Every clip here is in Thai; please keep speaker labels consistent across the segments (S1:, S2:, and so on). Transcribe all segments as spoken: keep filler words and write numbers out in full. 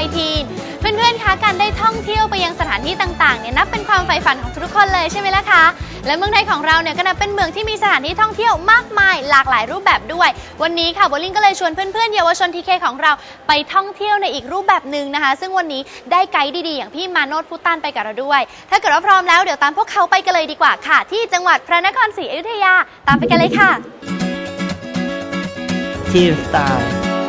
S1: วัยทีนเพื่อนๆคะการได้ท่องเที่ยวไปยังสถานที่ต่างๆเนี่ยนับเป็นความใฝ่ฝันของทุกคนเลยใช่ไหมล่ะคะและเมืองไทยของเราเนี่ยก็นับเป็นเมืองที่มีสถานที่ท่องเที่ยวมากมายหลากหลายรูปแบบด้วยวันนี้ค่ะโบลิ่งก็เลยชวนเพื่อนๆเยาวชนทีเคของเราไปท่องเที่ยวในอีกรูปแบบหนึ่งนะคะซึ่งวันนี้ได้ไกด์ดีๆอย่างพี่มาโนชพุตันไปกับเราด้วยถ้าเกิดว่าพร้อมแล้วเดี๋ยวตามพวกเขาไปกันเลยดีกว่าค่ะที่จังหวัดพระนครศรีอยุธยาตามไปกันเลยค่ะ
S2: ทีสไตล์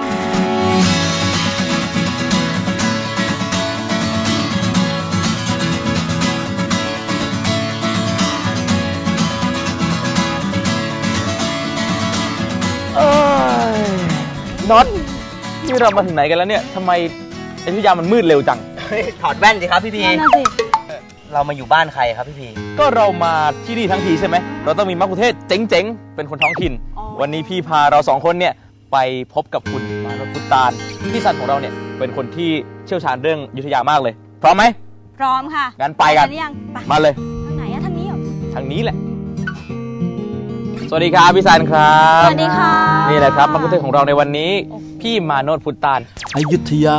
S3: น็อตนี่เรามาถึงไหนกันแล้วเนี่ยทำไมอยุธยามันมืดเร็วจัง
S2: ถอดแว่นสิครับพี่พีเรามาอยู่บ้านใครครับพี่พี
S3: ก็เรามาที่นี่ทั้งทีใช่ไหมเราต้องมีมัคคุเทศก์เจ๋งๆเป็นคนท้องถิ่นวันนี้พี่พาเราสองคนเนี่ยไปพบกับคุณมาโนชพุตานพี่ซันของเราเนี่ยเป็นคนที่เชี่ยวชาญเรื่องอยุธยามากเลยพร้อมไหม
S1: พร้อมค่ะ
S3: งั้นไปกันมาเลย
S1: ทางไหนอะทางนี้เหรอ
S3: ทางนี้แหละสวัสดีครับพี่ซันครับ
S1: สวัสดีค่ะ
S3: นี่แหละครับมัคคุเทศก์ของเราในวันนี้พี่มาโนชพุตาน
S4: อยุธยา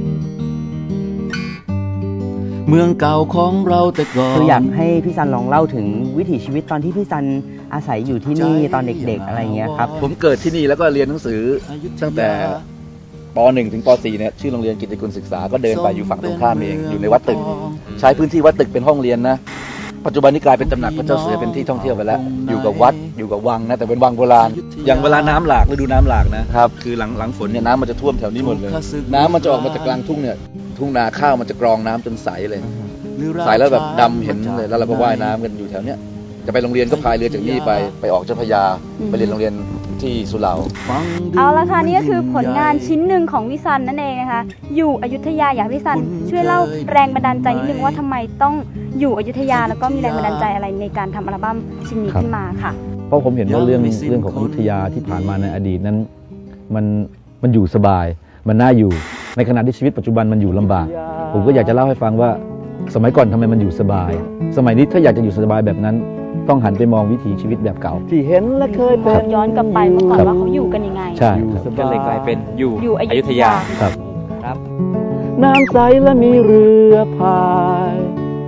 S4: เมืองเก่าของเราแต่ก่อน
S2: คืออยากให้พี่ซันลองเล่าถึงวิถีชีวิตตอนที่พี่ซันอาศัยอยู่ที่นี่ตอนเด็กๆอะไรเงี้ยครับ
S5: ผมเกิดที่นี่แล้วก็เรียนหนังสือตั้งแต่ป หนึ่ง ถึงป สี่ เนี่ยชื่อโรงเรียนกิตติกุลศึกษาก็เดินไปอยู่ฝั่งตรงข้ามเองอยู่ในวัดตึกใช้พื้นที่วัดตึกเป็นห้องเรียนนะปัจจุบันนี้กลายเป็นตำหนักพระเจ้าเสือเป็นที่ท่องเที่ยวไปแล้วอยู่กับวัดอยู่กับวังนะแต่เป็นวังโบราณอย่างเวลาน้ำหลากฤดูน้ำหลากนะครับคือหลังหลังฝนเนี่ยน้ำมันจะท่วมแถวนี้หมดเลยน้ำมันจะออกมาจากกลางทุ่งเนี่ยทุ่งนาข้าวมันจะกรองน้ำจนใสเลยใสแล้วแบบดำเห็นเลยแล้วเราก็ว่ายน้ำกันอยู่แถวเนี้ยจะไปโรงเรียนก็พายเรือจากนี่ไปไปออกเจ้าพระยาไปเรียนโรงเรียนที่สุเหร่า
S1: เอาละค่ะนี่ก็คือผลงานชิ้นหนึ่งของพี่ซันนั่นเองนะคะอยู่อยุธยาอยากพี่ซันช่วยเล่าแรงบันดาลใจนิดนึงว่าทำไมต้องอยู่อยุธยาแล้วก็มีแรงบันดาลใจอะไรในการทำอัลบั้มชิ้นนี้ขึ้นมาค่ะ
S4: เพราะผมเห็นว่าเรื่องเรื่องของอยุธยาที่ผ่านมาในอดีตนั้นมันมันอยู่สบายมันน่าอยู่ในขณะที่ชีวิตปัจจุบันมันอยู่ลำบากผมก็อยากจะเล่าให้ฟังว่าสมัยก่อนทำไมมันอยู่สบายสมัยนี้ถ้าอยากจะอยู่สบายแบบนั้นต้องหันไปมองวิถีชีวิตแบบเก่าที่เห็นและเคยเป็น
S1: ย้อนกลับไปเมื่อก่อนว่าเขาอยู่กันยังไง
S4: ใช่
S3: ก็เลยกลายเป็นอยู่อยุธยา
S4: ครับครับน้ำใสและมีเรือพาย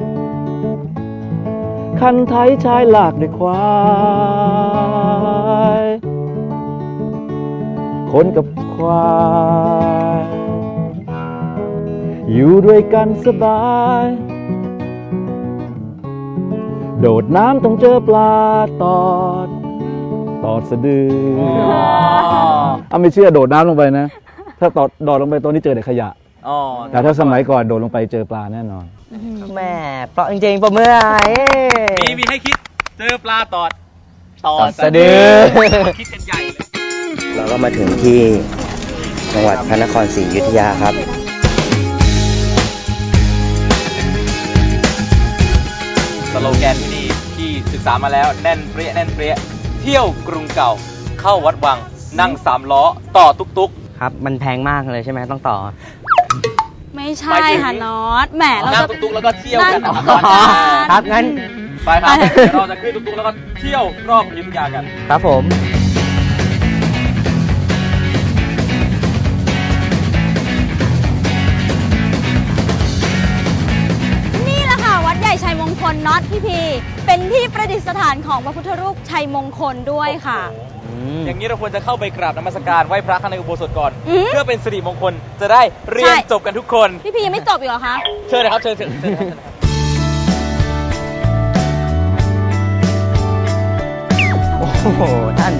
S4: คันไถชายหลากด้วยควายคนกับควายอยู่ด้วยกันสบายโดดน้ำต้องเจอปลาตอดตอดสะดืออ้าไม่เชื่อโดดน้ำลงไปนะถ้าตอดโดดลงไปตัวนี้เจอแต่ขยะแต่ถ้าสมัยก่อนโดดลงไปเจอปลาแน่นอน
S2: แม่เพราะจริงๆปะเมื่อ
S3: มีมีให้คิดเจอปลาตอด
S2: ตอดสะดือคิดกันใหญ่เราก็มาถึงที่จังหวัดพระนครศรีอยุธยาครับ
S3: สโลแกนที่นี่ที่ศึกษามาแล้วแน่นเปรี้ยแน่นเปรี้ยเที่ยวกรุงเก่าเข้าวัดวังนั่งสามล้อต่อตุ๊ก
S2: ๆครับมันแพงมากเลยใช่ไหมต้องต่อ
S1: ไม่ใช่ค่ะน็อตแหมเรา
S3: นั่งตุ๊กๆแล้วก็เที่ยวกัน
S2: ครับงั้น
S3: ไปครับเราจะขึ้นตุ๊กๆแล้วก็เที่ยวรอบอยุธยากัน
S2: ครับผม
S1: ชัยมงคลน็อตพี่พีเป็นที่ประดิษฐานของพระพุทธรูปชัยมงคลด้วยค่ะ
S3: อย่างนี้เราควรจะเข้าไปกราบนมัสการไหว้พระข้างในอุโบสถก่อนเพื่อเป็นสิริมงคลจะได้เรียนจบกันทุกคน
S1: พี่พียังไม่จบอีกเหรอคะ
S3: เชิญเลยครับเชิญเชิญ
S2: โอ้โหท่าน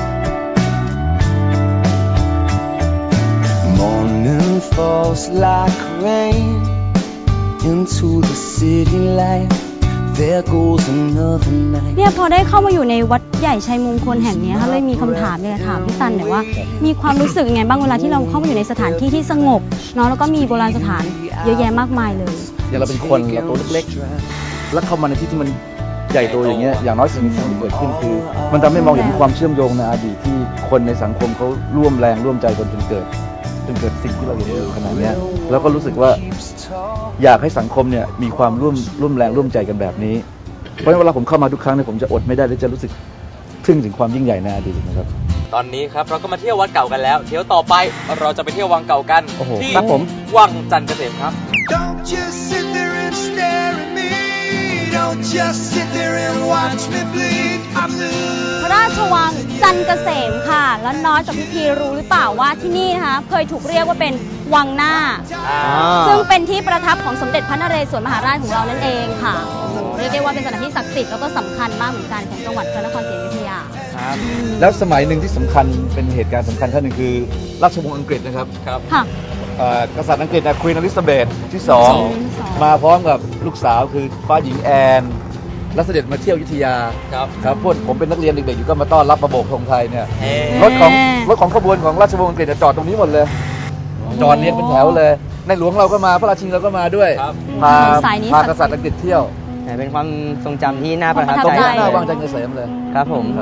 S4: Morning falls like rain into the city light there goes another night
S1: เนี่ยพอได้เข้ามาอยู่ในวัดใหญ่ชัยมงคลแห่งนี้ค่ะเลยมีคำถามเลยถามพี่ซันหน่อยว่ามีความรู้สึกยังไงบ้างเวลาที่เราเข้ามาอยู่ในสถานที่ที่สงบเนาะแล้วก็มีโบราณสถานเยอะแยะมากมายเลย
S5: อย่างเราเป็นคนเราตัวเล็กๆแล้วเข้ามาในที่ที่มันใหญ่โตอย่างเงี้ยอย่างน้อยสิ่งที่เกิดขึ้นคือมันทำให้มองเห็นความเชื่อมโยงในอดีตที่คนในสังคมเขาร่วมแรงร่วมใจกันจนเกิดจนเกิดสิ่งที่เราเห็นอยู่ขนาดนี้แล้วก็รู้สึกว่าอยากให้สังคมเนี่ยมีความร่วมร่วมแรงร่วมใจกันแบบนี้เพราะเวลาผมเข้ามาทุกครั้งเนี่ยผมจะอดไม่ได้และจะรู้สึกทึ่งถึงความยิ่งใหญ่ในอดีตนะครับ
S3: ตอนนี้ครับเราก็มาเที่ยววัดเก่ากันแล้วเที่ยวต่อไปเราจะไปเที่ยววังเก่ากัน
S2: โอ้โห
S3: ที่
S2: ครับผม
S3: วังจันทร์เกษมครับ
S6: Don't just sit there and stare at me. Don't just sit there and watch me bleed. I'm blue.
S1: พระราชวังจันทร์เกษมค่ะ แล้วน้อยกับพี่พีรู้หรือเปล่าว่าที่นี่นะคะเคยถูกเรียกว่าเป็นวังหน้า ซึ่งเป็นที่ประทับของสมเด็จพระนเรศวรมหาราชของเรานั่นเองค่ะโอ้โหเรียกได้ว่าเป็นสถานที่ศักดิ์สิทธิ์แล้วก็สำคัญมากเหมือนกันของจังหวัดพระนครศรีอยุธยา
S5: แล้วสมัยหนึ่งที่สำคัญเป็นเหตุการณ์สำคัญขั้นหนึ่งคือราชวงศ์อังกฤษนะครับ
S3: ครับ
S1: ค่ะ
S5: เอ่อกษัตริย์อังกฤษนะควีนอลิซาเบธที่สอง
S1: ที่สอง
S5: มาพร้อมกับลูกสาวคือฟ้าหญิงแอนและเสด็จมาเที่ยวอยุธยา
S3: ครับ
S5: ครับพวกผมเป็นนักเรียนเด็กๆอยู่ก็มาต้อนรับประโบกธงไทยเนี่ย
S3: เอ๊ะ
S5: รถของรถของขบวนของราชวงศ์อังกฤษจอดตรงนี้หมดเลย จอดเรียงเป็นแถวเลย ในหลวงเราก็มาพระราชินีเราก็มาด้วย
S3: ครับ
S5: พา
S1: สายนี้
S5: พากษัตริย์อังกฤษเที่ยว
S2: แต่เป็นความทรงจำที่น่าประทับ
S1: ความ
S5: ตรง
S1: ประทับ
S5: นี้
S1: ใจ
S5: หน้าวังจันทร์เกษมเลย
S2: ครับผม
S5: ครับ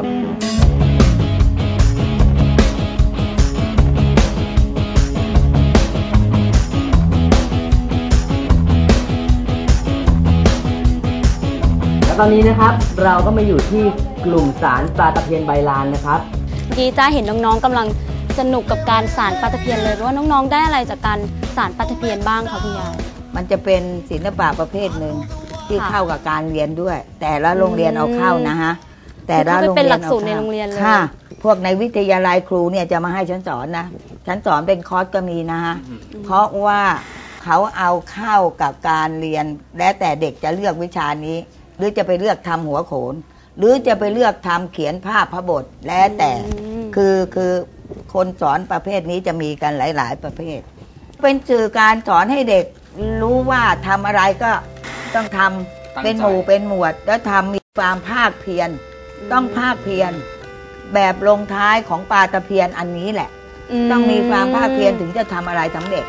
S2: แล้วตอนนี้นะครับเราก็มาอยู่ที่กลุ่มสารปลาตะเพียนใบลานนะครับ
S1: เมื่อกี้จ้าเห็นน้องๆกำลังสนุกกับการสานปลาตะเพียนเลยว่าน้องๆได้อะไรจากการสานปลาตะเพียนบ้างคะคุณยาย
S7: มันจะเป็นศิลปะประเภทหนึ่งที่
S1: ค่ะ
S7: เข้ากับการเรียนด้วย แต่ละโรงเรียนเอาเข้านะฮะแต่ละโรง
S1: เป็น
S7: เรียน
S1: หลัก
S7: เอา
S1: สูตรใน
S7: เข้า
S1: โรงเรียนเลย
S7: ค่ะ พวกในวิทยาลัยครูเนี่ยจะมาให้ฉันสอนนะฉันสอนเป็นคอร์สก็มีนะฮะเพราะว่าเขาเอาเข้ากับการเรียนและแต่เด็กจะเลือกวิชานี้ หรือจะไปเลือกทำหัวโขน หรือจะไปเลือกทำเขียนภาพพระบทแล้วแต่
S1: อืม
S7: คือคือคนสอนประเภทนี้จะมีกันหลาย ๆ ประเภท เป็นสื่อการสอนให้เด็กรู้ว่าทำอะไรก็ต้องทำ
S3: ตั้งใจ
S7: เป็นหมู่เป็นหมวด แล้วทำมีความภาคเพียรต้องภาคเพียรแบบลงท้ายของปลาตะเพียนอันนี้แหละ ต้องมีความภาคเพียรถึงจะทำอะไรสำเร็จ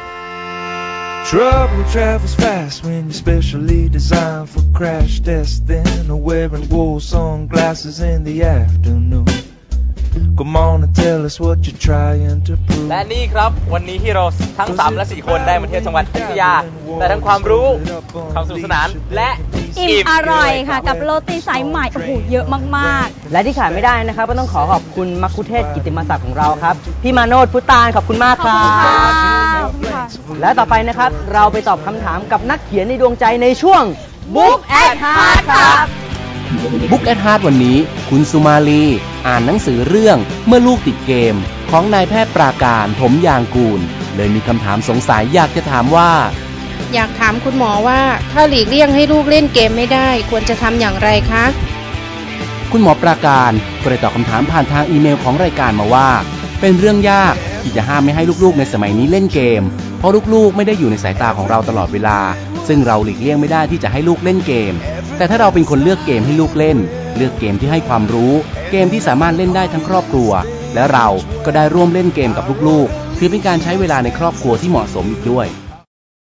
S6: Trouble travels fast when you're specially designed for crash testing or wearing wool sunglasses in the afternoon. Come on and tell us what you're trying to prove.
S3: และนี่ครับวันนี้ที่เราทั้งสามและสี่คนได้มาเที่ยวจังหวัดอยุธยาได้ทั้งความรู้ความสนุกสนานและ
S1: อิ่มอร่อยค่ะ กับโรตีสายใหม่โอ้โหเยอะมาก
S2: และที่ขาดไม่ได้นะครับก็ต้องขอขอบคุณมัคคุเทศก์กิตติมศักดิ์ของเราครับพี่มาโนชพุตานขอบคุณมาก
S1: ๆ ข
S2: ค
S1: อบ
S2: รั
S1: คุณค่ะ
S2: บ
S1: ขอบคุณค่ะ
S2: และต่อไปนะครับเราไปตอบคำถามกับนักเขียนในดวงใจในช่วง Book at Heart ครับ
S8: บุ๊กแอดฮาร์ดวันนี้คุณสุมาลีอ่านหนังสือเรื่องเมื่อลูกติดเกมของนายแพทย์ปราการถมยางกูลเลยมีคำถามสงสัยอยากจะถามว่า
S9: อยากถามคุณหมอว่าถ้าหลีกเลี่ยงให้ลูกเล่นเกมไม่ได้ควรจะทำอย่างไรคะ
S8: คุณหมอปราการก็ได้ตอบคำถามผ่านทางอีเมลของรายการมาว่า เป็นเรื่องยากที่จะห้ามไม่ให้ลูกๆในสมัยนี้เล่นเกมเพราะลูกๆไม่ได้อยู่ในสายตาของเราตลอดเวลาซึ่งเราหลีกเลี่ยงไม่ได้ที่จะให้ลูกเล่นเกมแต่ถ้าเราเป็นคนเลือกเกมให้ลูกเล่นเลือกเกมที่ให้ความรู้เกมที่สามารถเล่นได้ทั้งครอบครัวและเราก็ได้ร่วมเล่นเกมกับลูกๆถือเป็นการใช้เวลาในครอบครัวที่เหมาะสมอีกด้วย